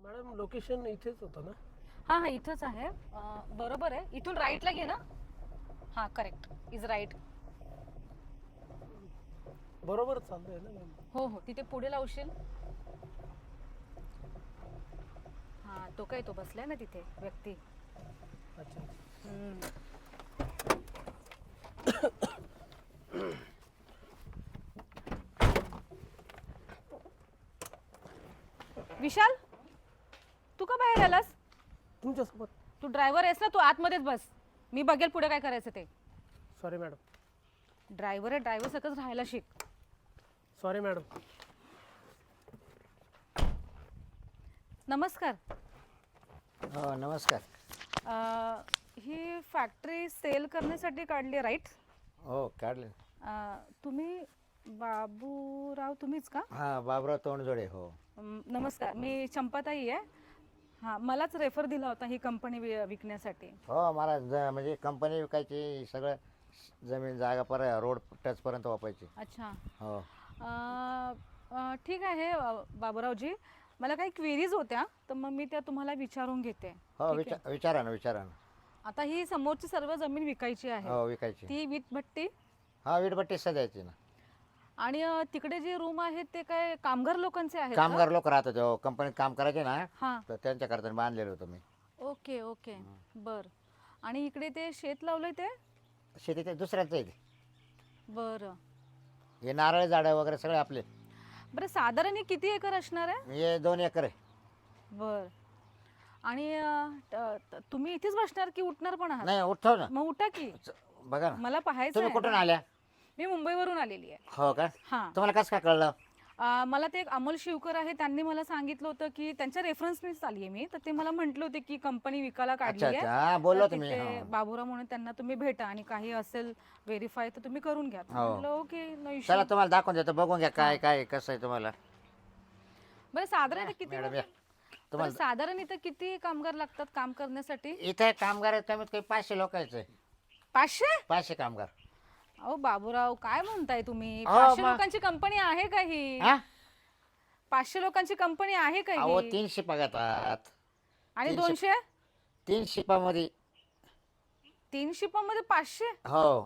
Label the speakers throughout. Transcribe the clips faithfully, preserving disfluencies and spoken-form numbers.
Speaker 1: Madam location इथेच होतं ना?
Speaker 2: हां हां इथंच आहे. अं, बरोबर आहे. इथून राईटला घे ना. हां करेक्ट इज राईट.
Speaker 1: बरोबर चाललंय ना मॅम?
Speaker 2: हो हो तिथे पुढे लावशील. हां तो काय तो बसलाय ना तिथे व्यक्ती.
Speaker 1: अच्छा अच्छा.
Speaker 2: हम्म. विशाल तू का बाहेर आलास?
Speaker 1: तुमच्यासोबत.
Speaker 2: तू ड्रायव्हर आहेस ना, तू आतमध्येच बस. मी बघेल पुढे काय करायचं ते.
Speaker 1: Sorry madam.
Speaker 2: ड्रायव्हर आहे, ड्रायव्हर सारखंच राहायला शिक.
Speaker 1: Sorry madam.
Speaker 2: नमस्कार.
Speaker 3: हो नमस्कार.
Speaker 2: अं, ही फॅक्टरी सेल करण्यासाठी काढली राईट?
Speaker 3: हो काढले.
Speaker 2: तुम्ही बाबूराव तुम्हीच का?
Speaker 3: हां बाबराव तोंडजोडे. हो
Speaker 2: अं, नमस्कार, मी चंपाताई आहे. हां मलाच रेफर दिला होता ही कंपनी विकण्यासाठी.
Speaker 3: हो मला ज म्हणजे कंपनी विकायची, सगळं जमीन जागा पर रोड टचपर्यंत वापायची.
Speaker 2: अच्छा.
Speaker 3: हो
Speaker 2: अं, अं, ठीक आहे अं, बाबूरावजी, मला काही क्वेरीज होत्या तर मग मी त्या तुम्हाला विचारून घेते.
Speaker 3: हो
Speaker 2: ठीक
Speaker 3: विचार
Speaker 2: आहे?
Speaker 3: विचारा ना विचारा ना.
Speaker 2: आता ही समोरची सर्व जमीन विकायची आहे.
Speaker 3: हो विकायची.
Speaker 2: ती वीटभट्टी
Speaker 3: हा वीटभट्टी सजायची ना.
Speaker 2: आणि अं, तिकडे जे रूम आहेत ते काय कामगार लोकांचे आहेत का?
Speaker 3: कामगार लोक राहत होते हो, कंपनीत काम करायचे ना,
Speaker 2: हां.
Speaker 3: तर त्यांच्याकरता बांधलेलं होतं मी.
Speaker 2: ओके ओके बर. आणि इकडे ते शेत लावलंय ते?
Speaker 3: शेती ते दुसऱ्यांचं आहे ते.
Speaker 2: बरं
Speaker 3: हे नारळ झाडं वगैरे सगळे आपले.
Speaker 2: बरं साधारण हे किती एकर असणार आहे?
Speaker 3: हे दोन एकर आहे.
Speaker 2: बर. आणि अं, त- त- तुम्ही इथेच बसणार की उठणार पण आहात?
Speaker 3: नाही उठव ना.
Speaker 2: मग उठा की.
Speaker 3: च- बघा ना.
Speaker 2: मला पाहायचं
Speaker 3: तुम्ही
Speaker 2: आहे
Speaker 3: कुठून
Speaker 2: ना.
Speaker 3: आल्या?
Speaker 2: मी मुंबईवरून आलेली आहे.
Speaker 3: हो का?
Speaker 2: हां.
Speaker 3: तुम्हाला कसं काय कळलं?
Speaker 2: अं, मला ते एक अमोल शिवकर आहे, त्यांनी मला सांगितलं होतं की त्यांच्या रेफरन्सनीच आली आहे मी, तर ते मला म्हटले होते की कंपनी विकायला काढली
Speaker 3: अच्छा
Speaker 2: आहे.
Speaker 3: अच्छा हा बोललो
Speaker 2: तर
Speaker 3: तुम्ही.
Speaker 2: तिथे
Speaker 3: हो.
Speaker 2: बाबूराव म्हणून त्यांना तुम्ही भेटा आणि काही असेल व्हेरीफाय तर तुम्ही करून घ्या.
Speaker 3: हो.
Speaker 2: म्हटलं ओके नो इश्यू.
Speaker 3: चला तुम्हाला दाखवून देतो, बघून घ्या काय काय कसं आहे तुम्हाला.
Speaker 2: बरं साधारण इथं किती
Speaker 3: मॅडम या
Speaker 2: बरं,
Speaker 3: तुम्हाला.
Speaker 2: साधारण इथं किती कामगार लागतात काम करण्यासाठी?
Speaker 3: इथे कामगार आहेत कमीत कमी पाचशे लोकांचे.
Speaker 2: पाचशे?
Speaker 3: पाचशे कामगार.
Speaker 2: अहो बाबूराव काय म्हणताय तुम्ही?
Speaker 3: हो,
Speaker 2: पाचशे
Speaker 3: मग.
Speaker 2: लोकांची कंपनी आहे का ही?
Speaker 3: हा
Speaker 2: पाचशे लोकांची कंपनी आहे का
Speaker 3: अहो
Speaker 2: ही?
Speaker 3: तीन शिपा घेतात.
Speaker 2: आणि
Speaker 3: तीनशे-
Speaker 2: दोनशे?
Speaker 3: तीन शिपामध्ये.
Speaker 2: तीन शिपामध्ये पाचशे?
Speaker 3: हो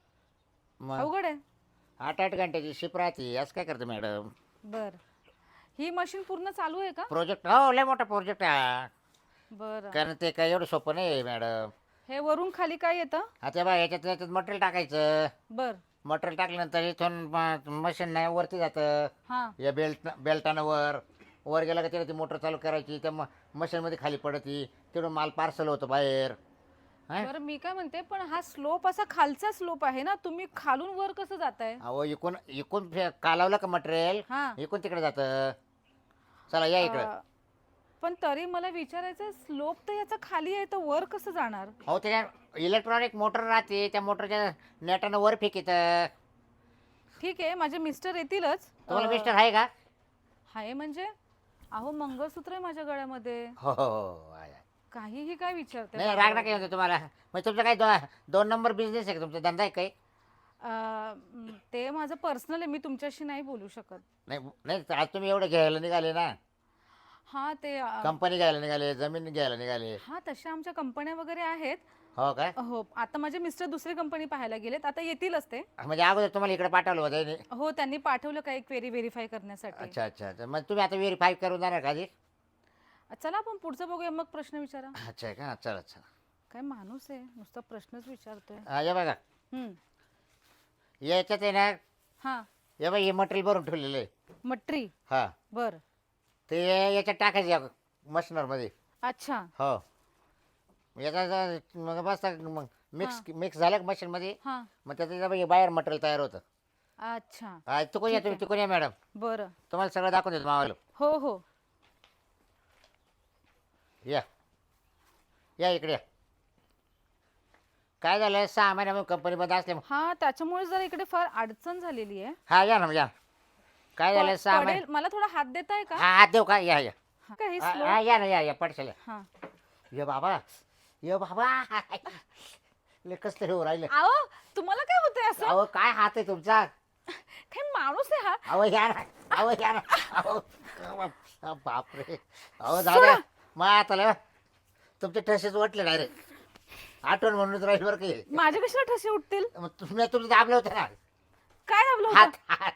Speaker 3: मग
Speaker 2: अवघड आहे.
Speaker 3: आठ आठ घंट्याची शिप राहते. असं काय करते मॅडम?
Speaker 2: बर. ही मशीन पूर्ण चालू आहे का?
Speaker 3: प्रोजेक्ट हो लय मोठा प्रोजेक्ट आहे.
Speaker 2: बरं.
Speaker 3: कारण ते काय एवढं सोपं नाही मॅडम.
Speaker 2: हे वरून खाली काय येतं?
Speaker 3: आता बा याच्यात याच्यात मटेरियल टाकायचं.
Speaker 2: बर.
Speaker 3: मटेरियल टाकल्यानंतर इथून मशीन नाही वरती जातं.
Speaker 2: हा.
Speaker 3: या बेल्ट बेल्टानं वर वर गेला का तिला ती मोटर चालू करायची, त्या मशीनमध्ये खाली पडती, तिकडून माल पार्सल होतं बाहेर. हा?
Speaker 2: बरं मी काय म्हणते, पण हा स्लोप असा खालचा स्लोप आहे ना, तुम्ही खालून वर कसं जाताय?
Speaker 3: अहो इकून इकून फे- कालावलं का मटेरियल,
Speaker 2: हा.
Speaker 3: इकून तिकडे जातं. चला या इकडे.
Speaker 2: अं, पण तरी मला विचारायचं, स्लोप तर याचा खाली आहे तर वर कसं जाणार?
Speaker 3: अहो त्याच्या इलेक्ट्रॉनिक मोटर राहते, त्या मोटरच्या नेटानं वर फेकीत.
Speaker 2: ठीक आहे, माझे मिस्टर येतीलच.
Speaker 3: तुम्हाला
Speaker 2: अं,
Speaker 3: मिस्टर आहे का?
Speaker 2: आहे म्हणजे? अहो मंगळसूत्र आहे माझ्या गळ्यामध्ये.
Speaker 3: हो हो हो आहे, आहे.
Speaker 2: काहीही काय विचारते?
Speaker 3: नाही राग नका येऊ तुम्हाला. मग तुमचं काय दो, दोन नंबर बिझनेस आहे का तुमचा, धंदा आहे काही?
Speaker 2: ते माझं पर्सनल आहे, मी तुमच्याशी नाही बोलू शकत.
Speaker 3: नाही नाही आज तुम्ही एवढे घ्यायला निघाले ना,
Speaker 2: हा ते अं,
Speaker 3: कंपनी घ्यायला निघाले, जमीन घ्यायला निघाले.
Speaker 2: हा तशा आमच्या कंपन्या वगैरे आहेत.
Speaker 3: हो काय?
Speaker 2: हो आता माझे मिस्टर दुसरी कंपनी पाहायला गेलेत, आता येतीलच ते.
Speaker 3: म्हणजे अगोदर तुम्हाला इकडे पाठवलं होतं नाही?
Speaker 2: हो त्यांनी पाठवलं काही क्वेरी व्हेरीफाय करण्यासाठी.
Speaker 3: अच्छा अच्छा अच्छा. मग तुम्ही आता व्हेरीफाय करून जाणार का आधी?
Speaker 2: चला आपण पुढचं बघूया, मग प्रश्न विचारा.
Speaker 3: अच्छा का? चला चला.
Speaker 2: काय माणूस आहे, नुसता प्रश्नच विचारतोय.
Speaker 3: हा या बघा,
Speaker 2: हम्म.
Speaker 3: याच्यात आहे ना,
Speaker 2: हा.
Speaker 3: या बघा हे मटेरियल भरून ठेवलेलं आहे.
Speaker 2: मट्री.
Speaker 3: हा
Speaker 2: बर.
Speaker 3: ते याच्यात टाकायचं या मशीनरमध्ये.
Speaker 2: अच्छा.
Speaker 3: हो याचा मग बस मग मिक्स मिक्स झालं मशीनमध्ये,
Speaker 2: हा.
Speaker 3: मग त्याचं बघा बाहेर मटेरियल तयार होतं.
Speaker 2: अच्छा.
Speaker 3: हा चुकून या
Speaker 2: ठीक
Speaker 3: तुम्ही,
Speaker 2: आहे.
Speaker 3: चुकून या मॅडम,
Speaker 2: बरं.
Speaker 3: तुम्हाला सगळं दाखवून देतो मावाला.
Speaker 2: हो हो.
Speaker 3: या या इकडे या. काय झालं, सहा महिन्यामध्ये कंपनीमध्ये असले.
Speaker 2: हा त्याच्यामुळे जरा इकडे फार अडचण झालेली आहे.
Speaker 3: हा या ना या. काय झालं
Speaker 2: प-
Speaker 3: सहा
Speaker 2: पडेल,
Speaker 3: महिने.
Speaker 2: मला थोडा हात देताय का?
Speaker 3: हा हात देऊ का? या या.
Speaker 2: हा. काय हे
Speaker 3: हा
Speaker 2: slow?
Speaker 3: हा, या ना या या पडशाल.
Speaker 2: हा.
Speaker 3: ये बाबा ये बाबा ले कसले हो राहिले.
Speaker 2: अहो तुम्हाला काय होतंय असं?
Speaker 3: अहो काय हात आहे तुमचा?
Speaker 2: काय माणूस आहे हा?
Speaker 3: अहो या ना, अहो या ना, अहो अ, बापरे अहो दादा मग आता लय तुमचे ठसेच वाटले डायरेक्ट आठवण म्हणूनच राहील बरं काही
Speaker 2: माझ्या कशाला ठसे उठतील?
Speaker 3: मग तुम्ही तुमचं दाबलं होतं ना
Speaker 2: काय दाबलं होतं?
Speaker 3: हात हात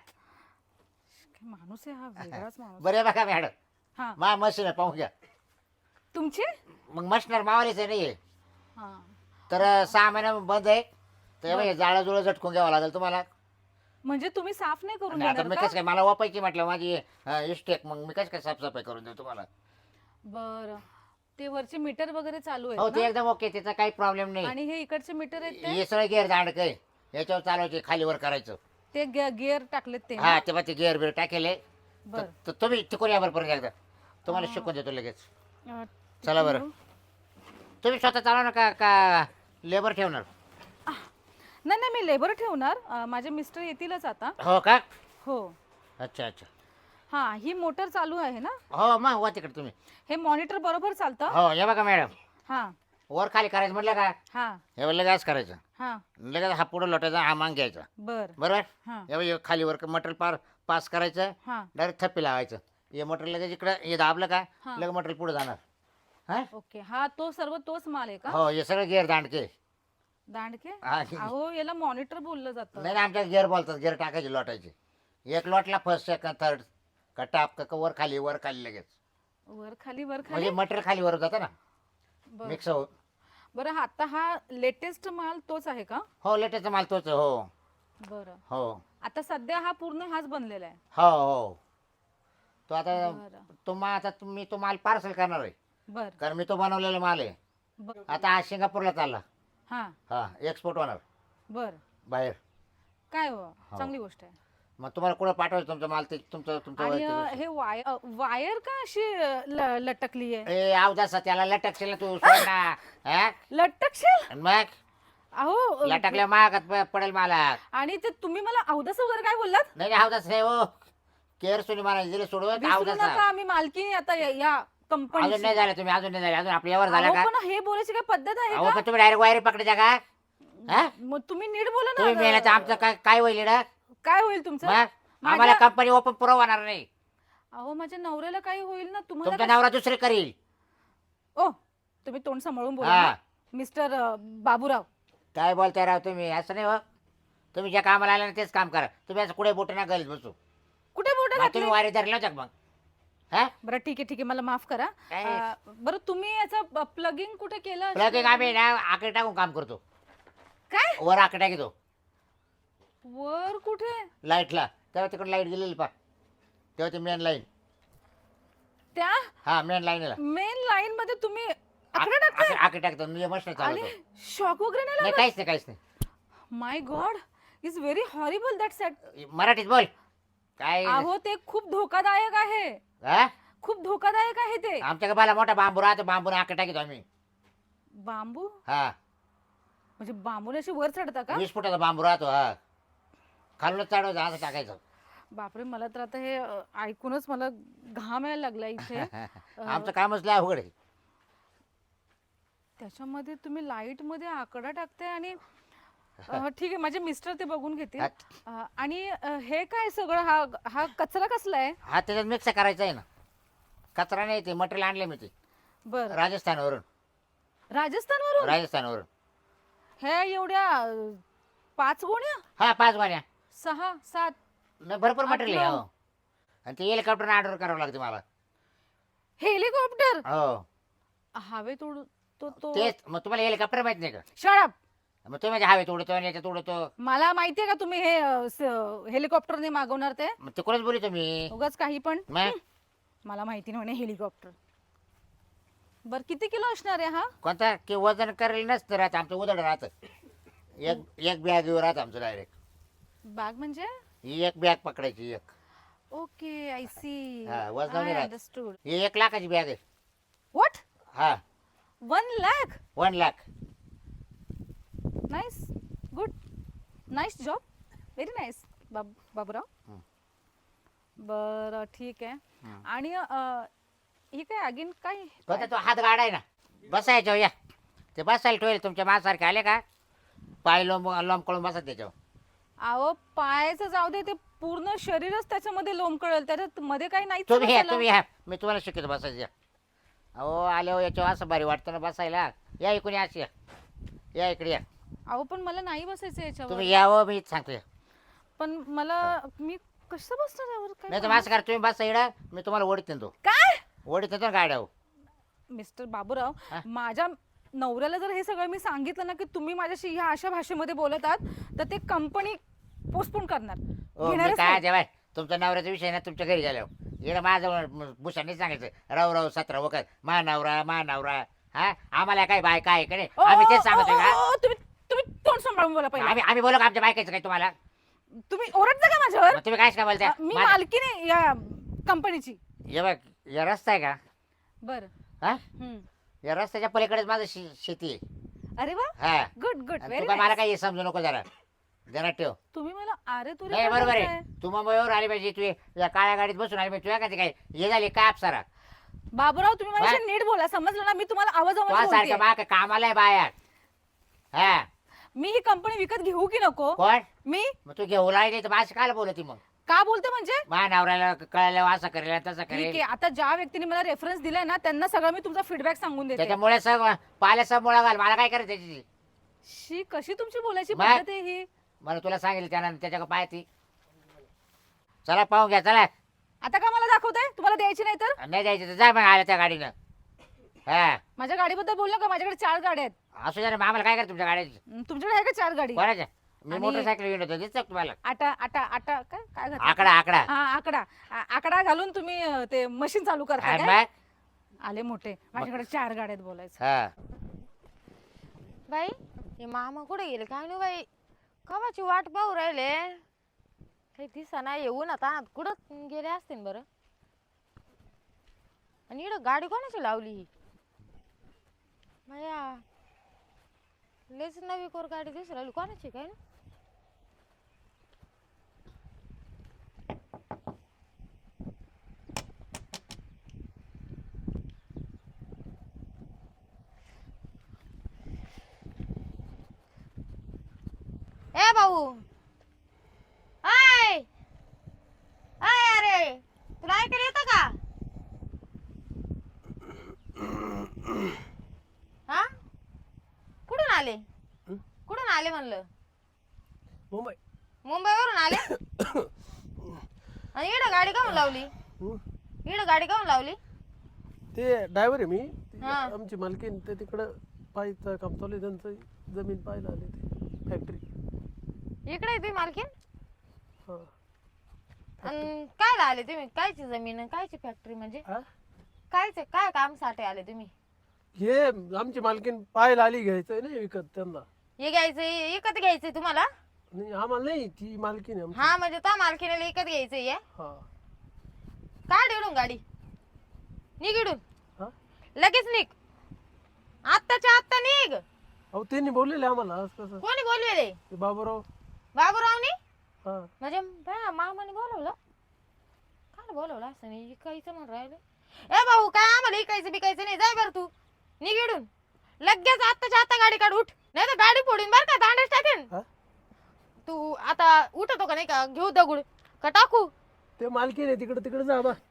Speaker 2: काय माणूस आहे हा, वेगळाच माणूस.
Speaker 3: बरे बघा मॅडम
Speaker 2: हा,
Speaker 3: मा मशीन आहे पाहून घ्या
Speaker 2: तुमची?
Speaker 3: मग मशनर मावालीच आहे नाही
Speaker 2: हा,
Speaker 3: तर सहा महिना बंद आहे तर जाळं जुळं झटकून घ्यावं लागेल तुम्हाला
Speaker 2: म्हणजे तुम्ही साफ नाही करून
Speaker 3: आणि आता
Speaker 2: देणार
Speaker 3: मी
Speaker 2: का?
Speaker 3: कसं काय मला वापायची म्हटलं माझी इस्टेक मग मी कसं काय साफसफाई करून देऊ तुम्हाला
Speaker 2: बरं, ते वरचे मीटर वगैरे चालू
Speaker 3: हो
Speaker 2: आहेत
Speaker 3: ते
Speaker 2: ना?
Speaker 3: एकदम ओके त्याचा काही प्रॉब्लेम नाही
Speaker 2: आणि हे इकडचे मीटर आहेत ते
Speaker 3: हे सगळं गिअर दांड काय याच्यावर चालवायचे खालीवर करायचं
Speaker 2: ते गिअर टाकलेत ते ना?
Speaker 3: हा ते मग ते गिअर बिअर टाकेले
Speaker 2: बर
Speaker 3: तर तुम्ही तिकडे या बरं परत एकदा तुम्हाला शिकून देतो लगेच
Speaker 2: अं,
Speaker 3: चला बरं तुम्ही स्वतः चालवा ना का का लेबर ठेवणार
Speaker 2: नाही नाही मी लेबर ठेवणार. अं, माझे मिस्टर येतीलच आता.
Speaker 3: हो का
Speaker 2: हो,
Speaker 3: अच्छा अच्छा
Speaker 2: हा, ही मोटर चालू आहे ना?
Speaker 3: हो मग वा तिकडे तुम्ही
Speaker 2: हे मॉनिटर बरोबर चालतं?
Speaker 3: हो हे बघा मॅडम
Speaker 2: हा
Speaker 3: वर खाली करायचं म्हटलं का
Speaker 2: हा
Speaker 3: हे लगेच करायचं
Speaker 2: हा,
Speaker 3: लगेच हा पुढे लोटायचा हा मांग घ्यायचा
Speaker 2: बर
Speaker 3: बरोबर
Speaker 2: हा
Speaker 3: हे बघ, हे खालीवर मटेरियल पार पास करायचं
Speaker 2: हा,
Speaker 3: डायरेक्ट थप्पी लावायचं हे मटेरियल लगेच इकडं हे दाबलं का
Speaker 2: हा.
Speaker 3: लगेच मटेरियल पुढे जाणार हा
Speaker 2: ओके. हा, तो सर्व तोच माल आहे का?
Speaker 3: हो हे सगळं गिअर दांडके
Speaker 2: दांडके?
Speaker 3: हा
Speaker 2: अहो, याला मॉनिटर बोललं जातं.
Speaker 3: नाही आमच्या गिअर बोलतात गिअर टाकायचे लोटायचे एक लोटला फर्स्ट सेकंड थर्ड का टाप का वर खाली वर खाली लगेच
Speaker 2: वर खाली वर खाली.
Speaker 3: म्हणजे मटेरियल खाली वर जातं ना
Speaker 2: बर
Speaker 3: मिक्स हो
Speaker 2: बरं, आता हा लेटेस्ट माल तोच आहे का?
Speaker 3: हो लेटेस्ट माल तोच आहे, हो
Speaker 2: बरं,
Speaker 3: हो
Speaker 2: आता सध्या हा पूर्ण हाच बनलेला आहे.
Speaker 3: हो हो तो आता
Speaker 2: बरं
Speaker 3: तो मा आता तुम्ही तो माल पार्सल करणार आहे
Speaker 2: बर
Speaker 3: कारण मी तो बनवलेला माल आहे
Speaker 2: बर
Speaker 3: आता आज सिंगापूरला चालला
Speaker 2: हा
Speaker 3: हा एक्सपोर्ट होणार
Speaker 2: बर
Speaker 3: बाहेर
Speaker 2: काय हो, चांगली गोष्ट आहे.
Speaker 3: मग तुम्हाला कुठं पाठवायचं तुमचा माल ते तुमचं तुमचं
Speaker 2: आणि
Speaker 3: वैयक्तिक
Speaker 2: अ,
Speaker 3: गोष्ट.
Speaker 2: हे वायर अ, वायर का अशी अ, ल- लटकली आहे?
Speaker 3: ए अवदासा त्याला लटकशील ना तू सोड ना हा?
Speaker 2: लटकशील?
Speaker 3: आणि मग
Speaker 2: अहो अ,
Speaker 3: लटकल्या मागात प- पडेल मला
Speaker 2: आणि ते तुम्ही मला अवदस वगैरे काय बोललात?
Speaker 3: नाही नाही, अवदास नाही हो केअर सोनी मला दिले सोडून
Speaker 2: विसरू
Speaker 3: अवदास
Speaker 2: नका, आम्ही मालकीने आता या- या
Speaker 3: अजून
Speaker 2: कंपनी.
Speaker 3: नाही झालं तुम्ही अजून नाही झाले अजून आपल्या यावर झाला का
Speaker 2: पण हे बोलायची काय पद्धत आहे
Speaker 3: अहो
Speaker 2: का?
Speaker 3: पण तुम्ही डायरेक्ट वायर पकडायच्या का हा?
Speaker 2: मग तुम्ही नीट बोला
Speaker 3: तुम्ही मेला तर
Speaker 2: ना.
Speaker 3: आमचं काय काय होईल ना
Speaker 2: काय होईल तुमचं?
Speaker 3: मग आम्हाला
Speaker 2: माझ्या-
Speaker 3: कंपनी ओपन पुरवणार नाही
Speaker 2: अहो, माझ्या नवऱ्याला काही होईल ना तुम्हाला
Speaker 3: तुमचा
Speaker 2: काय-
Speaker 3: नवरा दुसरे करील
Speaker 2: ओ, तुम्ही तोंड सांभाळून बोला
Speaker 3: हा.
Speaker 2: ना. Mister uh, Baburao.
Speaker 3: काय बोलताय राव तुम्ही असं नाही हो तुम्ही ज्या कामाला आला ना तेच काम करा तुम्ही असं कुठे बोट ना गलीत बसू
Speaker 2: कुठे बोट
Speaker 3: मग तुम्ही वारी धरला होता का मग हा
Speaker 2: बरं ठीक आहे ठीक आहे, मला माफ करा.
Speaker 3: काय?
Speaker 2: अ, बरं, तुम्ही याचं प्लगिंग कुठे केलं असेल?
Speaker 3: प्लगिंग आम्ही ना आकडे टाकून काम करतो
Speaker 2: काय?
Speaker 3: वर आकडे घेतो
Speaker 2: वर कुठे?
Speaker 3: लाईटला तेव्हा तिकडे लाईट गेलेली पा तेव्हा ते मेन लाईन
Speaker 2: त्या
Speaker 3: हा मेन लाईनला
Speaker 2: मेन लाईन मध्ये तुम्ही आकडे टाकताय?
Speaker 3: आकडे टाकतो मी मस्त
Speaker 2: आणि
Speaker 3: चालवतो
Speaker 2: शॉक वगैरे नाही
Speaker 3: नाही
Speaker 2: लागला?
Speaker 3: काहीच नाही काहीच नाही
Speaker 2: my god, is very horrible that set.
Speaker 3: मराठीत बोल काय
Speaker 2: अहो, ते खूप धोकादायक आहे.
Speaker 3: हा
Speaker 2: खूप धोकादायक आहे ते.
Speaker 3: आमच्याकडे बाला मोठा बांबू राहतो बांबूने आकडे टाकतो आम्ही
Speaker 2: बांबू
Speaker 3: हा
Speaker 2: म्हणजे बांबूने अशी वर चढता का?
Speaker 3: वीस फुटाचा बांबू राहतो हा खालूनच चढवायचं असं टाकायचं
Speaker 2: बापरे, मला तर आता हे अ, ऐकूनच मला घाम यायला लागला इथे.
Speaker 3: आमचं कामच लय अवघड आहे
Speaker 2: त्याच्यामध्ये तुम्ही लाईट मध्ये आकडा टाकताय आणि अ, ठीक आहे, माझे मिस्टर ते बघून घेतील. अ, आणि अ, हे काय सगळं हा हा कचरा कसला आहे?
Speaker 3: हा त्याच्यात मिक्स करायचं आहे ना कचरा नाही ते मटेरियल आणले मी ते
Speaker 2: बर,
Speaker 3: राजस्थानवरून
Speaker 2: राजस्थानवरून?
Speaker 3: राजस्थानवरून
Speaker 2: हे एवढ्या अ, पाच गोण्या,
Speaker 3: हा पाच वाण्या
Speaker 2: सहा सात
Speaker 3: नाही भरपूर
Speaker 2: आठ,
Speaker 3: मटेरियल आहे
Speaker 2: नऊ.
Speaker 3: हो आणि ते हेलिकॉप्टर ऑर्डर करावं लागते मला
Speaker 2: हेलिकॉप्टर
Speaker 3: हो
Speaker 2: हवेत उड तो तो
Speaker 3: तेच मग तुम्हाला हेलिकॉप्टर माहित नाही का
Speaker 2: शट अप.
Speaker 3: मग तुम्ही म्हणजे हवेत उडतो आणि याच्यात उडतो
Speaker 2: मला माहितीये का तुम्ही हे अ, स- हेलिकॉप्टरने मागवणार ते?
Speaker 3: मग तिकडूनच बोलू तुम्ही
Speaker 2: उगाच काही पण.
Speaker 3: मग
Speaker 2: मला माहिती नाही म्हणे हेलिकॉप्टर. बर, किती किलो असणार आहे हा?
Speaker 3: कोणता की वजन करेल नसतं राहत आमचं उदड राहतं एक एक बॅग राहतं आमचं डायरेक्ट
Speaker 2: बॅग म्हणजे?
Speaker 3: ही एक बॅग पकडायची एक
Speaker 2: ओके, आय सी.
Speaker 3: हा, वजनाने राहत.
Speaker 2: अंडरस्टूड.
Speaker 3: ही एक लाखाची बॅग आहे
Speaker 2: व्हॉट?
Speaker 3: हा
Speaker 2: one lakh?
Speaker 3: One lakh
Speaker 2: nice, good, nice job, very nice Baburao.
Speaker 3: हं.
Speaker 2: बर, ठीक आहे.
Speaker 3: हं.
Speaker 2: आणि अ, ही काय अगेन काय?
Speaker 3: कोणता तो हात गाडा आहे ना बसायच्या या ते बसायला ठेवेल तुमच्या माझ्यासारखे आले का पाय लोंब लोंब कळून बसा त्याच्यावर
Speaker 2: अहो पायाचं जाऊ दे, ते पूर्ण शरीरच त्याच्यामध्ये लोंबकळेल, त्याच्यात मध्ये काही नाही
Speaker 3: तुम्ही या तुम्ही या मी तुम्हाला शिकवतो बसायचं. अहो आले हो याच्यावर असं भारी वाटतं ना बसायला. या इकडे अशी या या इकडे या.
Speaker 2: अहो पण मला नाही बसायचं याच्यावर.
Speaker 3: तुम्ही यावं मी सांगतो.
Speaker 2: पण मला मी कसं बसणार यावर?
Speaker 3: नाही तर
Speaker 2: काय
Speaker 3: असं करा तुम्ही बसा इकडं मी तुम्हाला ओढीत नेतो.
Speaker 2: काय
Speaker 3: ओढीत नेतो गाड्या.
Speaker 2: मिस्टर बाबूराव,
Speaker 3: हा?
Speaker 2: माझ्या नवऱ्याला जर हे सगळं मी सांगितलं ना की तुम्ही माझ्याशी ह्या अशा भाषेमध्ये बोलत आहात, तर ते कंपनी पोस्टपोन करणार.
Speaker 3: हो मी
Speaker 2: घेणारच
Speaker 3: काय
Speaker 2: नाही.
Speaker 3: जेव्हा तुमच्या नवऱ्याचा विषय ना तुमच्या घरी गेल्यावर इकडे माझं भूषणने सांगायचं राव राव सतरा वखत मा नवरा मा नवरा. हा आम्हाला काय बायका आहे का नाही
Speaker 2: ओ,
Speaker 3: आम्ही तेच
Speaker 2: ओ,
Speaker 3: सांगतोय
Speaker 2: ओ,
Speaker 3: का.
Speaker 2: ओ, तुम्ही तुम्ही तोंड सांभाळून बोला पहिला.
Speaker 3: आम्ही आम्ही बोलू का आमच्या बायकाचं काय तुम्हाला.
Speaker 2: तुम्ही ओरडता का माझ्यावर?
Speaker 3: मग तुम्ही काय काय बोलताय.
Speaker 2: मी
Speaker 3: माझं-
Speaker 2: मालकी नाही या कंपनीची.
Speaker 3: हे बघ या रस्ता आहे का
Speaker 2: बर.
Speaker 3: हा या रस्त्याच्या पलीकडेच माझं शे- शेती आहे.
Speaker 2: अरे वा,
Speaker 3: हा
Speaker 2: गुड गुड
Speaker 3: आणि
Speaker 2: व्हेरी
Speaker 3: तू काय मला काही समजू नको जरा जरा ठेव.
Speaker 2: तुम्ही मला अरे तुरे
Speaker 3: नाही
Speaker 2: का
Speaker 3: बरोबर
Speaker 2: बोलताय?
Speaker 3: आहे तू मुंबईवर आली पाहिजे तू या काळ्या गाडीत बसून आली पाहिजे तुझ्या का ते काय हे झाली का अप्सरा.
Speaker 2: बाबूराव तुम्ही माझ्याशी
Speaker 3: वा.
Speaker 2: नीट बोला, समजलं ना? मी तुम्हाला आवाज
Speaker 3: तो
Speaker 2: आवाज
Speaker 3: सारखं
Speaker 2: बोलते.
Speaker 3: बा कामाला आहे बाया. हा
Speaker 2: मी ही कंपनी विकत घेऊ की नको?
Speaker 3: कोण
Speaker 2: मी
Speaker 3: मग तू घेऊ लागली तर भाषा काय बोलती मग.
Speaker 2: का बोलते म्हणजे?
Speaker 3: मा नवऱ्याला कळायला असं करेल तसं
Speaker 2: ठीक
Speaker 3: करेल.
Speaker 2: आहे, आता ज्या व्यक्तीने मला रेफरन्स दिलाय ना त्यांना सगळं मी तुमचा फीडबॅक सांगून देते.
Speaker 3: त्याच्यामुळे सग पाल्याचा मुळा घाल मला काय करायचं त्याची.
Speaker 2: शी कशी तुमची बोलायची
Speaker 3: मग?
Speaker 2: पद्धत आहे ही?
Speaker 3: मला तुला सांगितलं त्यानं त्याच्या पाय ती. चला पाहून घ्या चला.
Speaker 2: आता का मला दाखवताय? तुम्हाला द्यायची नाही तर?
Speaker 3: नाही जायचं तर जा मग आल्या त्या गाडीनं. हा
Speaker 2: माझ्या गाडीबद्दल बोलला का? माझ्याकडे चार गाड्या आहेत.
Speaker 3: असू द्या ना मग आम्हाला काय करायचं तुमच्या गाडीची.
Speaker 2: हं, तुमच्याकडे आहे का चार गाडी?
Speaker 3: कोणाच्या मी
Speaker 2: आणि-
Speaker 3: मोटरसायकल घेऊन येतो दिसतं का तुम्हाला.
Speaker 2: आटा आटा आटा काय काय घातलं?
Speaker 3: आकडा आकडा
Speaker 2: हा आकडा आ- आकडा घालून तुम्ही अं, ते मशीन चालू करता
Speaker 3: आणि
Speaker 2: काय?
Speaker 3: मग
Speaker 2: आले मोठे, माझ्याकडे चार गाड्या आहेत बोलायचं.
Speaker 3: हा
Speaker 4: बाई हे मामा कुठे गेले काय नाही बाई, कवाची वाट पाहू राहिले, काही दिसना. येऊन आता कुठं गेले असतील बरं. आणि इकडं गाडी कोणाची लावली ही भया, लेच नवी कोर गाडी दिसू राहिली, कोणाची काय ना. ए भाऊ, आय आय अरे तुला ऐकायला येतं का? हा कुठून आले? कुठून आले म्हणलं?
Speaker 1: मुंबई.
Speaker 4: मुंबईवरून आले. आणि इकडं गाडी काऊन लावली?
Speaker 1: हं?
Speaker 4: इकडं गाडी काऊन लावली?
Speaker 1: ते ड्रायव्हर आहे मी. ती
Speaker 4: हा.
Speaker 1: आमची मालकीन ते तिकडं पाहायचं काम चालू आहे त्यांचं. जमीन पाहायला आले ते फॅक्टरी.
Speaker 4: इकडे तुम्ही मालकीन?
Speaker 1: हा
Speaker 4: अन कायला आले तुम्ही? कायची जमीन आणि कायची फॅक्टरी म्हणजे?
Speaker 1: हा?
Speaker 4: कायचे काय काम साठी आले तुम्ही?
Speaker 1: हे आमची मालकीन पाहायला आली घ्यायचंय ना विकत त्यांना.
Speaker 4: हे घ्यायचंय, विकत घ्यायचंय तुम्हाला?
Speaker 1: नाही आम्हाला नाही ती मालकीन आहे आमची.
Speaker 4: हा म्हणजे तो मालकीने विकत घ्यायचंय हे?
Speaker 1: हा
Speaker 4: काढ इडून गाडी, निघ इडून
Speaker 1: हा
Speaker 4: लगेच निघ, आत्ताच्या आत्ता निघ.
Speaker 1: अहो त्यांनी बोललेले आम्हाला आज कसं
Speaker 4: कोणी बोलवेले?
Speaker 1: ते बाबूराव.
Speaker 4: बाबूरावनी?
Speaker 1: हा
Speaker 4: म्हणजे बा मामाने बोलवलं? काय बोलवलं असं नाही, इकायचं म्हणून राहिलं. ए भाऊ काय आम्हाला इकायचं बिकायचं नाही, जाय बरं तू, निघ इडून लगेच, आत्ताच्या आता गाडी काढ, उठ नाही तर गाडी फोडून बर का, दांडेच टाकेन.
Speaker 1: हा?
Speaker 4: तू आता उठतो का नाही का? घेऊ दगड का टाकू?
Speaker 1: ते मालकीन आहे तिकडे तिकडे जा बा.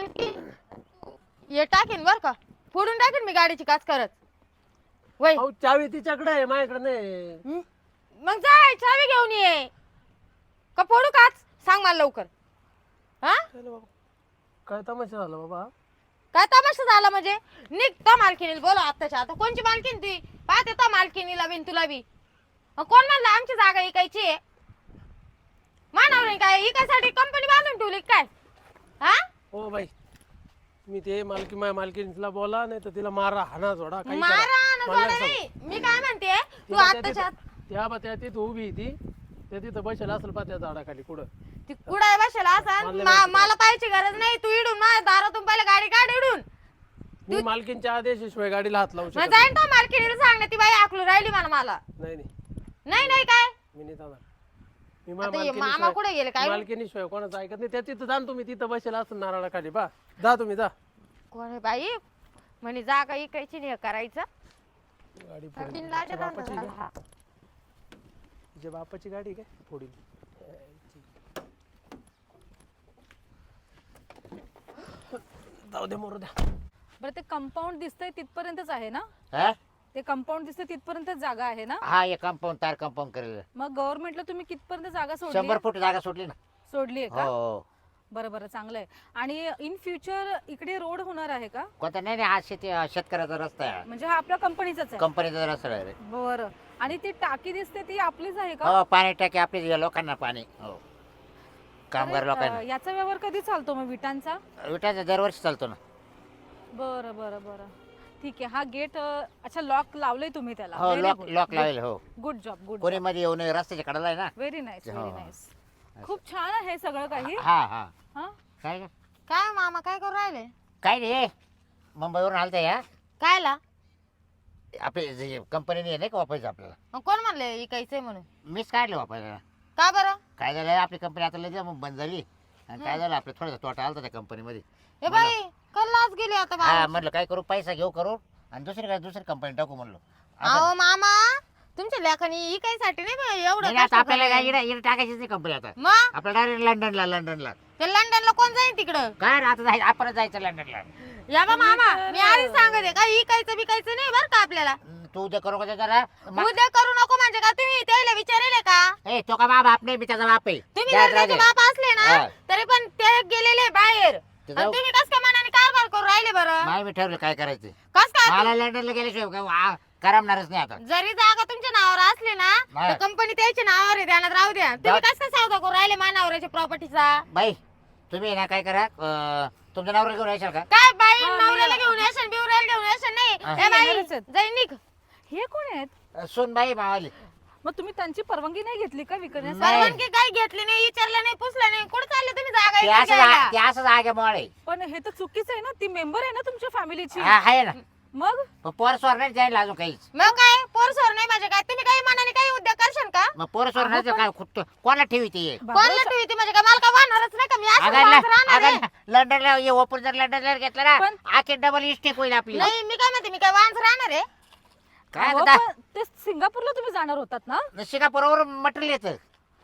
Speaker 4: हे टाकेन बर का, फोडून टाकेन मी गाडीची काच करत. वय
Speaker 1: अहो चावी तिच्याकडे आहे माझ्याकडे नाही.
Speaker 4: मग जाय चावी घेऊन ये, का फोडू काच सांग मला लवकर. हा
Speaker 1: चला बाबा काय तमाशा झाला बाबा.
Speaker 4: काय तमाशा झाला म्हणजे? निघता मालकीनीला बोला आत्ताच्या आता. कोणची मालकीन ती? पाहते तो मालकीनीला बिन तुला बी. अन कोण म्हणलं आमची जागा इकायची आहे? मानव नाही काय इकायसाठी कंपनी बांधून ठेवली काय? हा
Speaker 1: हो बाई मी ते मालकी माझ्या मालकीनीला बोला नाही तर तिला मारा हाना जोडा काही करा.
Speaker 4: मारा ना
Speaker 1: मला
Speaker 4: जोडा
Speaker 1: सांग.
Speaker 4: नाही, मी काय म्हणते तू
Speaker 1: तिला त्या
Speaker 4: आत्ताच्या आत
Speaker 1: तिथं- त्या बा त्या तिथं उभी आहे ती त्या तिथं बसेल असेल पा त्या झाडाखाली कुठं.
Speaker 4: ती कुडाय बसेल असा.
Speaker 1: मला माहिती
Speaker 4: मला पाहायची गरज नाही, तू इडून माझ्या दारातून पहिले गाडी काढ इडून.
Speaker 1: मी मालकीनच्या आदेशाशिवाय गाडीला हात लावू
Speaker 4: मग
Speaker 1: शकत
Speaker 4: जाईन तो मालकीनीला सांग ना, ती बाई आकलू राहिली मला मला
Speaker 1: नाही. नाही
Speaker 4: नाही नाही काय
Speaker 1: मी नाही जाणार. मी
Speaker 4: आता हे मामा कुठे गेले काय?
Speaker 1: मालकीनीशिवाय कोणाचं ऐकत नाही. त्या तिथं जा ना तुम्ही तिथं बसेल असेल नारळाखाली बा. जा तुम्ही जा.
Speaker 4: कोण आहे बाई म्हणे जागा इकायची नाही हे करायचं.
Speaker 1: गाडी
Speaker 4: बिन
Speaker 1: फोडील.
Speaker 4: लाजा
Speaker 1: तिच्या बापाची
Speaker 4: धंदा
Speaker 1: काय?
Speaker 4: झाला.
Speaker 1: तिच्या बापाची गाडी काय फोडील. जाऊ दे मरू द्या.
Speaker 2: बरं ते कंपाऊंड दिसतंय तिथपर्यंतच आहे ना?
Speaker 3: हा
Speaker 2: ते कंपाऊंड दिसतंय तिथपर्यंतच जागा आहे ना?
Speaker 3: हा हे कंपाऊंड तार कंपाऊंड करेल
Speaker 2: मग गव्हर्नमेंटला तुम्ही कितपर्यंत जागा सोडली
Speaker 3: शंभर फूट जागा सोडली ना.
Speaker 2: सोडली आहे
Speaker 3: हो
Speaker 2: का?
Speaker 3: हो.
Speaker 2: बरं बरं चांगलं आहे. आणि इन फ्युचर इकडे रोड होणार आहे का?
Speaker 3: कोणता नाही नाही हा शेती हा शेतकऱ्याचा रस्ता आहे.
Speaker 2: म्हणजे हा आपल्या कंपनीचाच आहे?
Speaker 3: कंपनीचा रस्ता आहे रे.
Speaker 2: बरं. आणि ती टाकी दिसते ती आपलीच आहे का?
Speaker 3: हो पाणी टाकी आपली या लोकांना पाणी हो कामगार
Speaker 2: अरे,
Speaker 3: लोकांना.
Speaker 2: अं, याचा व्यवहार कधी चालतो मग विटांचा?
Speaker 3: विटाचा दरवर्षी चालतो ना.
Speaker 2: बरं बरं बरं ठीक आहे. हा गेट अच्छा लॉक लावलंय तुम्ही त्याला?
Speaker 3: हो लॉक लॉक लावेल हो.
Speaker 2: गुड जॉब गुड
Speaker 3: कोणी मध्ये येऊ नये रस्त्याच्या कडेला आहे ना.
Speaker 2: व्हेरी नाईस व्हेरी
Speaker 3: हो.
Speaker 2: नाईस. खूप छान आहे सगळं काही.
Speaker 3: हा हा
Speaker 2: हा
Speaker 3: काय ग?
Speaker 4: काय मामा काय करू राहिले?
Speaker 3: काय नाही मुंबईवरून आलता या
Speaker 4: कायला?
Speaker 3: आपली कंपनीने नाही का वापरायचं आपल्याला.
Speaker 4: मग कोण म्हणले इकायचंय म्हणून?
Speaker 3: मीच काढलं वापरायला.
Speaker 4: का बरं?
Speaker 3: काय झालं आपली कंपनी आता लय मग बंद झाली आणि काय झालं आपलं थोडासा तोटा आलता त्या कंपनीमध्ये.
Speaker 4: ए बाई कल्लाच गेली आता
Speaker 3: हा
Speaker 4: बाबा.
Speaker 3: म्हटलं काय करू पैसा घेऊ करू आणि दुसरी काय दुसरी कंपनी टाकू म्हणलो.
Speaker 4: अहो मामा तुमच्या लेखानी इकायसाठी नाही बा एवढं
Speaker 3: नाही, आता
Speaker 4: कष्ट
Speaker 3: आपल्याला काय
Speaker 4: करायला.
Speaker 3: इकडे इकडे टाकायचीच नाही कंपनी आता.
Speaker 4: मग
Speaker 3: आपलं डायरेक्ट लंडनला लंडनला
Speaker 4: ते लंडनला कोण जाईल तिकडं?
Speaker 3: काय रे, आता जाय आपण जायचं लंडनला.
Speaker 4: या बा मामा
Speaker 2: तर-
Speaker 4: मी आधीच सांगते काय इकायचं बिकायचं नाही बरं का आपल्याला.
Speaker 3: हम्म, तू उद्या करू का जरा मा-
Speaker 4: उद्या करू नको म्हणजे का तुम्ही त्याला विचारेले का?
Speaker 3: ए तो का बाप नाही मी त्याचा बाप आहे.
Speaker 4: तुम्ही
Speaker 3: जा,
Speaker 4: जर
Speaker 3: जा,
Speaker 4: त्याचे
Speaker 3: जा.
Speaker 4: बाप असले ना
Speaker 3: हा.
Speaker 4: तरी पण ते गेलेले बाहेर
Speaker 3: ते
Speaker 4: आणि
Speaker 3: जाऊ.
Speaker 4: तुम्ही कस काय मनाने कारभार करू राहिले बरं?
Speaker 3: नाही मी ठरवलं काय करायचं.
Speaker 4: कस काय?
Speaker 3: मला लंडनला गेल्याशिवाय काय वा- करमणारच नाही आता.
Speaker 4: जरी जागा तुमच्या नावावर असली ना
Speaker 3: नाही.
Speaker 4: तर कंपनी त्याच्या नावावर आहे ध्यानात राहू द्या. तुम्ही
Speaker 3: जा.
Speaker 4: कस काय सौदा करू राहिले मानावरच्या प्रॉपर्टीचा?
Speaker 3: बाई तुम्ही ना काय करा अं, तुमच्या नवऱ्याला घेऊन येशाल का?
Speaker 4: काय बाई
Speaker 2: हा,
Speaker 4: नवऱ्याला
Speaker 2: मी-
Speaker 4: घेऊन येशन बिवऱ्याला घेऊन येशन नाही
Speaker 3: हा.
Speaker 4: ए बाई
Speaker 2: येणारच आहेत.
Speaker 4: जाई निघ.
Speaker 2: हे कोण आहेत?
Speaker 3: अं, सून बाई मावाली.
Speaker 2: मग तुम्ही त्यांची परवानगी नाही घेतली का विकण्यासाठी?
Speaker 3: नाही.
Speaker 4: परवानगी काय घेतली नाही विचारलं नाही पुसलं नाही कुठे चालले तुम्ही जागा
Speaker 3: ते
Speaker 4: इकडे
Speaker 3: असं
Speaker 4: घ्यायला?
Speaker 3: ते असंच आगे मोळे
Speaker 2: पण हे तर चुकीचं आहे ना. ती मेंबर आहे ना तुमच्या फॅमिलीची.
Speaker 3: हा आहे ना.
Speaker 2: मग
Speaker 3: पण पोर स्वर नाही जायला अजून काहीच.
Speaker 4: मग काय पोरसोर नाही म्हणजे काय तुम्ही काही मनाने काही उद्योग करशाल का?
Speaker 3: मग पोर स्वर नाही तर काय खुद कोणाला ठेवी ती
Speaker 2: बाबा,
Speaker 4: कोणला ठेवी ती म्हणजे काय मला काय वाहणारच नाही का मी असं
Speaker 3: अगं
Speaker 4: वाहत राहणार आहे?
Speaker 3: अगं लंडनला ये ओपन जर लंडनला घेतला ना
Speaker 2: पण-
Speaker 3: आखे डबल इस्टेक होईल आपली.
Speaker 4: नाही मी काय म्हणते मी काय वाहन राहणार आहे?
Speaker 3: काय
Speaker 2: अहो,
Speaker 3: आता
Speaker 2: पण ते सिंगापूरला तुम्ही जाणार होतात ना?
Speaker 3: सिंगापूरवर मटेरियल येतं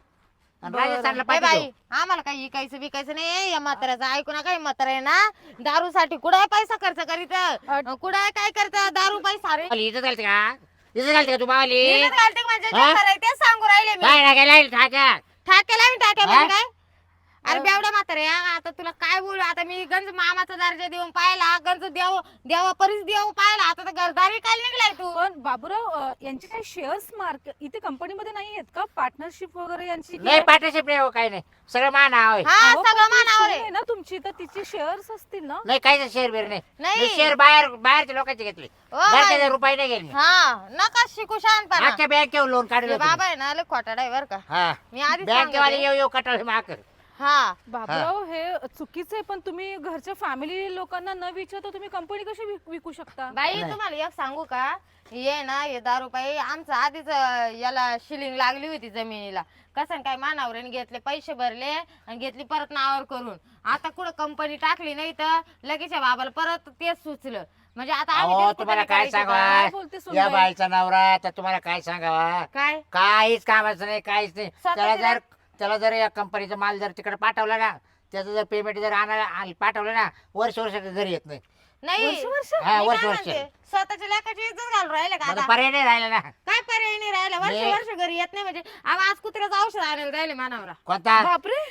Speaker 3: आणि
Speaker 2: बरं.
Speaker 3: राजस्थानला
Speaker 4: ए
Speaker 3: पाहिजे.
Speaker 4: बाई आम्हाला काही इकायचं बिकायचं नाही या म्हाताऱ्याचं ऐकू नका. म्हातारा आहे ना दारूसाठी कुठे पैसा खर्च करीत कुठे काय करत दारू पैसा रे
Speaker 3: इथं घालते का इथं घालते का तू मावली
Speaker 4: इथं घालते म्हणजे
Speaker 3: हा?
Speaker 4: जे खरं आहे तेच सांगू राहिले मी.
Speaker 3: काय टाकायला ठाक्या
Speaker 4: ठाक्याला मी टाक्या
Speaker 3: हा?
Speaker 4: म्हणजे काय? अरे बेवड्या म्हातारे आता तुला काय बोलू आता मी गंज मामाचा दर्जा देऊन पाहिला गंज देव देवा परीस देव पाहिला आता तर घरदारी काय निघलाय तू.
Speaker 2: पण बाबूराव अं, यांचे काही शेअर्स मार्क इथे कंपनीमध्ये नाही आहेत का? पार्टनरशिप वगैरे यांची
Speaker 3: नाही पार्टनरशिप नाही हो, काही नाही सगळं मान आहे.
Speaker 4: हा
Speaker 2: अहो, पण
Speaker 4: सगळं
Speaker 2: ती
Speaker 4: मानावर
Speaker 2: सून
Speaker 4: आहे.
Speaker 2: आहे ना तुमची तर तिचे शेअर्स असतील ना?
Speaker 3: नाही काहीच शेअर बेर नाही
Speaker 4: नाही.
Speaker 3: मी शेअर बाहेर बाहेरच्या लोकांचे घेतले
Speaker 4: ओ बाई.
Speaker 3: घरचे रुपये नाही गेले
Speaker 4: हा नका शिकू शहाणपणा.
Speaker 3: आजच्या बँकेवर लोन
Speaker 4: हे
Speaker 3: काढलं
Speaker 4: बाबा आहे ना लय खोटाडा आहे बर का.
Speaker 3: हा
Speaker 4: मी आधीच
Speaker 3: बँकेवाले
Speaker 4: सांगते.
Speaker 3: येऊ येऊ कटाळ माक
Speaker 4: हा
Speaker 2: बाबूराव हे चुकीचं आहे. पण तुम्ही घरच्या फॅमिली लोकांना न विचारता तुम्ही कंपनी कशी विक- विकू शकता?
Speaker 4: बाई
Speaker 3: नाही.
Speaker 4: तुम्हाला एक सांगू का ये ना हे दारू पायी आमचं आधीच अं, याला शिलिंग लागली होती जमिनीला कसं काय मानावरीने घेतले पैसे भरले आणि घेतली परत नावावर करून आता कुठं कंपनी टाकली नाही तर लगेच या बाबाला परत तेच सुचलं म्हणजे आता आम्ही
Speaker 3: अहो
Speaker 4: तेच
Speaker 3: तुम्हाला
Speaker 4: कुठं
Speaker 3: काय
Speaker 4: करायचं का?
Speaker 2: काय बोलते
Speaker 3: सांगावा
Speaker 2: सुनबाई?
Speaker 3: या बाईचा नवरा तर तुम्हाला काय सांगावा
Speaker 4: काय
Speaker 3: काहीच कामाचं नाही काहीच नाही
Speaker 4: स्वतःच्या
Speaker 3: त्याला जर त्याला जर या कंपनीचा माल जर तिकडे पाठवला ना त्याचं जर पेमेंट जर आणायला आण- पाठवलं ना वर्ष वर्ष घरी येत नाही.
Speaker 4: नाही
Speaker 2: वर्ष वर्ष?
Speaker 3: हा
Speaker 4: मी
Speaker 3: वर्ष
Speaker 4: काय
Speaker 3: वर्ष
Speaker 4: म्हणते, स्वतःच्या लेखाची इज्जत घालून राहिले का
Speaker 3: मला
Speaker 4: आता?
Speaker 3: पर्याय नाही राहिला ना.
Speaker 4: काय पर्याय नाही राहिला वर्ष
Speaker 3: मी-
Speaker 4: वर्ष घरी येत नाही म्हणजे आम्ही आज कुत्र्याचं औषध आणायला राहिले मानावरा
Speaker 3: कोणता
Speaker 2: बापरे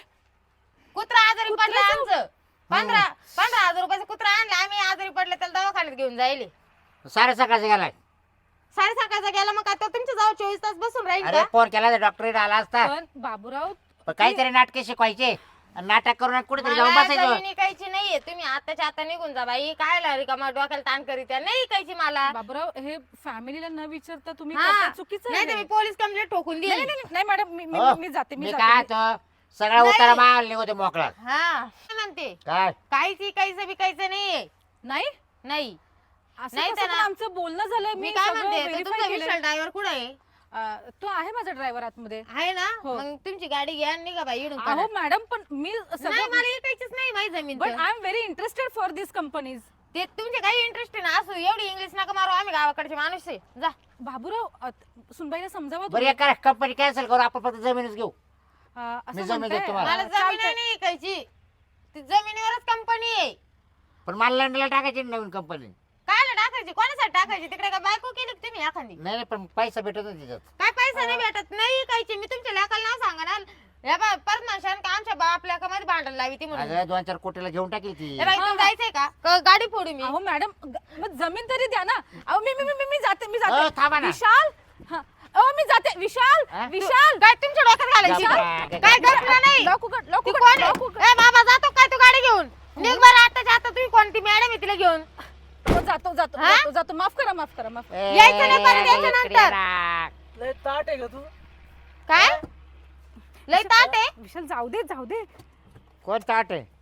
Speaker 4: कुत्रा आजारी पडलं
Speaker 2: कुत्र्याचं?
Speaker 4: आमचं पंधरा पंधरा हजार रुपयाचं कुत्रा आणलं आम्ही आजारी पडले त्याला दवाखान्यात घेऊन जायले
Speaker 3: साडे सकाळचा गेलाय.
Speaker 4: साडे सकाळचा गेला मग काय तो तुमच्या जाऊ चोवीस तास बसून राहील
Speaker 3: अरे
Speaker 4: का?
Speaker 3: फोन केला तर डॉक्टर आला असता
Speaker 2: पण बाबूराव
Speaker 3: पण काहीतरी नाटके शिकवायचे आणि नाटक करून कुठेतरी जाऊन
Speaker 4: मला
Speaker 3: बसायचं.
Speaker 4: जमीन इकायची नाहीये तुम्ही आताच्या आता निघून जा बाई काय लारी का मला डोक्याला ताण करीत आहे. नाही इकायची मला
Speaker 2: बाबूराव हे फॅमिलीला न विचारता तुम्ही
Speaker 4: हा.
Speaker 2: करताय, चुकीचं
Speaker 4: नाही
Speaker 2: आहे.
Speaker 4: तर मी पोलीस कंप्लेंट ठोकून
Speaker 2: नाही
Speaker 4: दिली
Speaker 2: नाही, नाही, नाही मॅडम मी
Speaker 3: हो,
Speaker 2: मी- मी जाते मी
Speaker 3: मी
Speaker 2: जाते.
Speaker 3: काय तो सगळा
Speaker 4: नाही.
Speaker 3: उतारा माल निघतो मोकळा
Speaker 4: हा काय म्हणते
Speaker 3: काय
Speaker 4: काहीच इकायचं बिकायचं नाहीये
Speaker 2: नाही
Speaker 4: नाही
Speaker 2: असं
Speaker 4: नाही
Speaker 2: कसं
Speaker 4: तर
Speaker 2: पण
Speaker 4: ना.
Speaker 2: आमचं बोलणं झालं
Speaker 4: मी
Speaker 2: मी
Speaker 4: काय
Speaker 2: सगळं
Speaker 4: म्हणते तर
Speaker 2: verify
Speaker 4: तुमचा
Speaker 2: केलंय.
Speaker 4: विशाल ड्रायव्हर कुठे आहे
Speaker 2: अं, तो आहे माझा ड्रायव्हर आतमध्ये.
Speaker 4: आहे ना
Speaker 2: हो.
Speaker 4: मग तुमची गाडी घ्या आणि निघा बाई इडून
Speaker 2: अहो मॅडम पण मी
Speaker 4: नाही
Speaker 2: सगळं
Speaker 4: मला इकायचीच नाही माझी जमीन
Speaker 2: बट
Speaker 4: तर.
Speaker 2: I am very interested for this companies.
Speaker 4: ते तुमचे काही इंटरेस्ट ना असू एवढी इंग्लिश नका मारू आम्ही गावाकडचे माणूस आहे जा
Speaker 2: बाबूराव अत- सुनबाईला समजावा
Speaker 3: बरं
Speaker 2: तुम्ही.
Speaker 3: एक करा कंपनी कॅन्सल करू आपण फक्त जमीनच घेऊ.
Speaker 2: अं,
Speaker 3: मी
Speaker 2: असं
Speaker 3: जमीन
Speaker 2: म्हणताय.
Speaker 3: देतो तुम्हाला.
Speaker 4: मला
Speaker 2: अं,
Speaker 4: जमीन
Speaker 2: चालतंय.
Speaker 4: नाही ऐकायची. ती जमिनीवरच कंपनी आहे.
Speaker 3: पण मला लंडनला टाकायची ना नवीन कंपनी.
Speaker 4: कायला टाकायची, कोणासाठी टाकायची? तिकडे काय बायको केली का तुम्ही एखादी?
Speaker 3: नाही नाही, पण पैसा भेटत नाही त्याच्यात.
Speaker 4: काय पैसा नाही भेटत नाही ऐकायची. मी तुमच्या लेकाला नाव सांगणार. या बा परत म्हणशान का आमच्या बाप लेकामध्ये भांडण लावी ती म्हणून.
Speaker 3: अगं दोन चार कोटीला घेऊन टाकेल ती.
Speaker 4: ए बाई, तुला जायचंय का? क- गाडी फोडू मी.
Speaker 2: अहो मॅडम ग- मग जमीन तरी द्या ना. अहो मी मी मी- मी मी जाते मी
Speaker 3: अहो,
Speaker 2: जाते
Speaker 3: थांबा ना.
Speaker 2: विशाल हा. अहो मी जाते विशाल
Speaker 3: हा?
Speaker 2: विशाल
Speaker 4: काय तुमच्या डोक्यात घालायची?
Speaker 3: जा बा,
Speaker 4: काय गरज नाही.
Speaker 2: लॉक उघड, लॉक
Speaker 4: ती
Speaker 2: उघड,
Speaker 4: कोण
Speaker 2: लॉक उघड.
Speaker 4: आहे? ए बाबा जातो काय तू गाडी घेऊन? निघ बरं आताच्या आता. तुम्ही कोणती मॅडम आहे तिला घेऊन?
Speaker 2: हो, जातो जातो
Speaker 4: हा?
Speaker 2: जातो जातो माफ करा माफ करा माफ करा.
Speaker 3: ए,
Speaker 4: यायचं नाही परत, यायचं
Speaker 3: इकडे
Speaker 4: नंतर.
Speaker 3: राख.
Speaker 1: लय ताट आहे का तू
Speaker 4: काय लय ताट आहे?
Speaker 2: विशाल जाऊ दे जाऊ दे.
Speaker 3: कोण ताट आहे?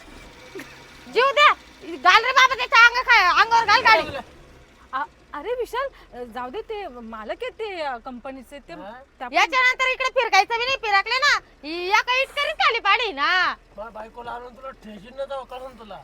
Speaker 4: जीव द्या. घाल रे बाबा त्याच्या अंग खाय अंगावर घाल गाडी.
Speaker 2: आ- अरे विशाल अ, जाऊ दे ते मालक आहे ते अ, कंपनीचे ते
Speaker 1: हा?
Speaker 2: त्या-
Speaker 4: याच्या नंतर इकडे फिरकायचं बी नाही. फिरकले ना या काही इटकरीत खाली पाडी ना.
Speaker 1: माझ्या बायकोला आणून तुला ठेशीन ना जाऊ करून तुला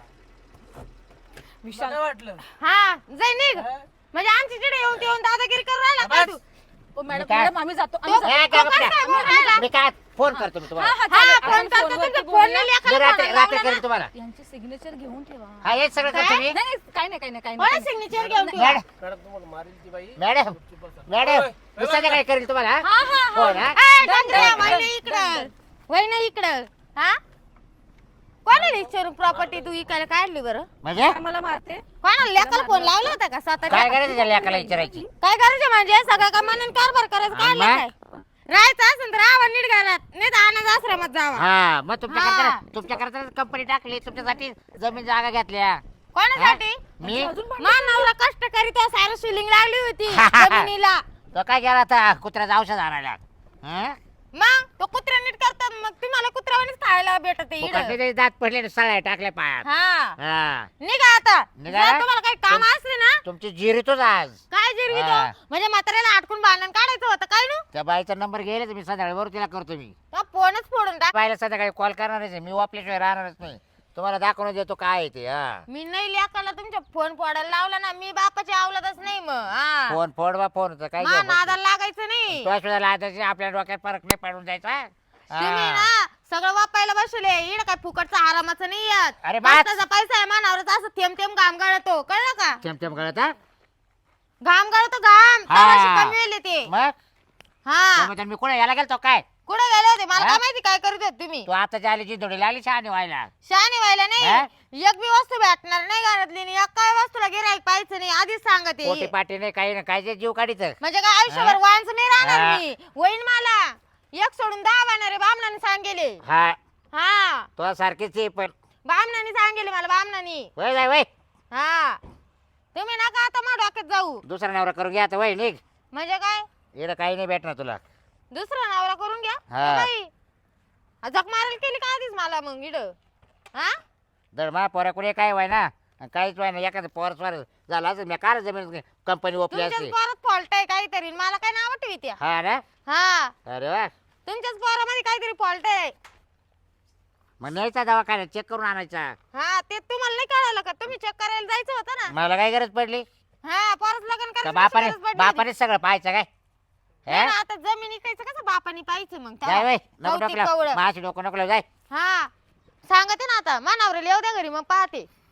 Speaker 2: विशाल
Speaker 1: काय वाटलं
Speaker 4: हा जाय निघ.
Speaker 1: हा?
Speaker 4: म्हणजे आमची जिडे येऊन ते येऊन दादागिरी करून राहिला काय तू?
Speaker 2: ओ मॅडम
Speaker 3: काय?
Speaker 2: मॅडम आम्ही जातो आम्ही
Speaker 4: तो-
Speaker 2: जातो.
Speaker 3: ए,
Speaker 4: तो
Speaker 3: काय
Speaker 4: कसं काय बोलून राहिला?
Speaker 3: बघा. मी काय फोन करतो मी
Speaker 2: हा
Speaker 3: तुम्हाला.
Speaker 2: हा
Speaker 4: हा
Speaker 2: चालेल.
Speaker 4: फोन
Speaker 2: आपण
Speaker 4: करतो
Speaker 2: फोनवरती
Speaker 4: तुमच्या
Speaker 2: बोलूया.
Speaker 4: फोनला
Speaker 3: मी
Speaker 4: लेखाला
Speaker 3: रात्री
Speaker 4: फोन
Speaker 3: रात्री
Speaker 4: लावला
Speaker 3: करेल
Speaker 4: ना.
Speaker 3: तुम्हाला.
Speaker 2: यांचे सिग्नेचर घेऊन ठेवा.
Speaker 3: हा हेच सगळं
Speaker 4: काय?
Speaker 3: करतो मी.
Speaker 2: नाही नाही, काय नाही काय नाही काय
Speaker 4: कोणा
Speaker 2: नाही
Speaker 4: सिग्नेचर घेऊन ठेवा?
Speaker 3: मॅडम
Speaker 1: मॅडम तुम्हाला मारील ती बाई
Speaker 3: मॅडम
Speaker 1: चुप बसा.
Speaker 3: मॅडम
Speaker 1: ओय,
Speaker 3: मी संध्याकाळी करेल तुम्हाला हा?
Speaker 2: हा हा
Speaker 3: हो
Speaker 2: हा
Speaker 3: ना?
Speaker 4: ए,
Speaker 2: डन,
Speaker 4: डंगऱ्या,
Speaker 2: डन,
Speaker 4: वहिनी
Speaker 2: डन,
Speaker 4: इकडं.
Speaker 2: डन.
Speaker 4: वहिनी इकडं. हा कोणाला विचारून प्रॉपर्टी तू इकायला काढली बरं?
Speaker 3: म्हणजे
Speaker 2: मला मारते
Speaker 4: कोणाला लेकाला फोन लावला होता का स्वतःच्या?
Speaker 3: काय करायचं त्याला लेकाला विचारायची?
Speaker 4: काय करायचं म्हणजे सगळं का म्हणून कारभार करायचं काढलं
Speaker 3: मग?
Speaker 4: काय? राहायचं असेल तर राहा नीट घालात नाही तर अनाथ आश्रमात जावा.
Speaker 3: हा मग तुमच्या
Speaker 4: हा.
Speaker 3: करता तुमच्या करता कंपनी टाकली तुमच्यासाठी जमीन जागा घेतल्या.
Speaker 4: कोणासाठी?
Speaker 3: हा? मी
Speaker 2: अजून पण-
Speaker 4: मान नवरा कष्ट करीत सारं शिलिंग लागली होती जमिनीला.
Speaker 3: तो काय गेला आता कुत्र्याचं औषध आणायला. हा?
Speaker 4: मग तो कुत्रा नीट करतात मग तुम्हाला कुत्र्यावानीच खायला भेटत आहे
Speaker 3: फुकट
Speaker 4: इकडं.
Speaker 3: नाही दात पडले सळ्या टाकल्या पायात.
Speaker 4: हा
Speaker 3: हा
Speaker 4: निघा आता.
Speaker 3: निघा?
Speaker 4: जर तुम्हाला काही काम असले ना
Speaker 3: तुमची जिरीतोच आज.
Speaker 4: काय जिरवी
Speaker 3: हा.
Speaker 4: तो म्हणजे म्हाताऱ्याला अटकून भांडण काढायचं होतं काय नु?
Speaker 3: त्या बाईचा नंबर गेले तर मी संध्याकाळी बरोबर तिला करतो मी.
Speaker 4: तो फोनच फोडून टाक.
Speaker 3: बाईला संध्याकाळी कॉल करणारच आहे मी वापल्याशिवाय राहणारच नाही. तुम्हाला दाखवून देतो काय आहे ते. हा
Speaker 4: मी नाही लेकाला तुमच्या फोन फोडायला लावला ना मी बापाची आवलातच नाही मग हा
Speaker 3: फोन फोड बा फोन काय
Speaker 4: मा नादाला लागायचं नाही.
Speaker 3: आपल्या डोक्यात फरक नाही पडून जायचा.
Speaker 4: तुम्ही
Speaker 3: हा.
Speaker 4: ना सगळं वापायला बसले इड काय फुकटचा आरामाचं नाही येत.
Speaker 3: अरे बास.
Speaker 4: कष्टाचा पैसा आहे मानावरच असं थेंब थेंब घाम गाळतो कळलं का?
Speaker 3: थेंब थेंब गळत हा?
Speaker 4: घाम गाळतो घाम
Speaker 3: हा.
Speaker 4: तवाशी कमी येले ते.
Speaker 3: मग
Speaker 4: हा
Speaker 3: त्यामुळे मी कुठे यायला गेलतो काय?
Speaker 4: कुठे गेले होते मला
Speaker 3: हा?
Speaker 4: काय माहिती काय करत होते तुम्ही?
Speaker 3: तू आता आली जी थोडी लागली शहाणी व्हायला.
Speaker 4: शहाणी व्हायला
Speaker 3: हा?
Speaker 4: नाही एक बी वस्तू भेटणार नाही घरातली आणि एक काय वस्तूला गिराईक पाहायचं नाही आधीच
Speaker 3: पोटी
Speaker 4: सांगते.
Speaker 3: पाटी नाही काही नाही काय जे जीव काढीच.
Speaker 4: म्हणजे काय आयुष्यभर वांच नाही राहणार
Speaker 3: हा.
Speaker 4: मी वहीन मला एक सोडून दहा बाणारे बामणाने सांगेले.
Speaker 3: हा
Speaker 4: हा
Speaker 3: तो सारखीच आहे पण.
Speaker 4: बामणाने सांगेले मला बामणाने.
Speaker 3: वय जाय वय
Speaker 4: हा तुम्ही नका आता मग डोक्यात जाऊ.
Speaker 3: दुसरा नवरा करून घ्या आता वय निघ.
Speaker 4: म्हणजे काय
Speaker 3: इकडं काही नाही भेटणार तुला.
Speaker 4: दुसरा नवरा करून घ्या
Speaker 3: हा.
Speaker 4: ए बाई, जग मारायला केली का आधीच मला मग इड हा
Speaker 3: दर मा पोरा कुठे काय व्हाय ना आणि काहीच व्हाय ना एखादं पोर स्वार झाला असं मी काय जमीन कंपनी ओपली
Speaker 4: तुमच्याच
Speaker 3: असते.
Speaker 4: पोरात फॉल्ट आहे काहीतरी मला काय नाव ठेवते.
Speaker 3: हा ना
Speaker 4: हा
Speaker 3: अरे वा
Speaker 4: तुमच्याच पोरामध्ये काहीतरी फॉल्ट आहे.
Speaker 3: मग न्यायचा दवाखान्यात चेक करून आणायचा.
Speaker 4: हा ते तुम्हाला नाही कळालं का? तुम्ही चेक करायला जायचं होतं ना.
Speaker 3: मला काय गरज पडली
Speaker 4: हा परत लग्न
Speaker 3: का
Speaker 4: करायचं
Speaker 3: बापाने
Speaker 4: गरज पडली होती.
Speaker 3: बापाने सगळं पाहायचं काय?
Speaker 4: नाही
Speaker 3: हे?
Speaker 4: ना, आता जमीन इकायचं कसं बापानी पाहिजे मग
Speaker 3: जाय वय
Speaker 4: त्याला.
Speaker 3: नको
Speaker 4: कौतिक
Speaker 3: नको
Speaker 4: कवळं.
Speaker 3: माझी डोकं नको जाय.
Speaker 4: हा सांगते ना आता मानावर येऊ द्या घरी मग पाहते.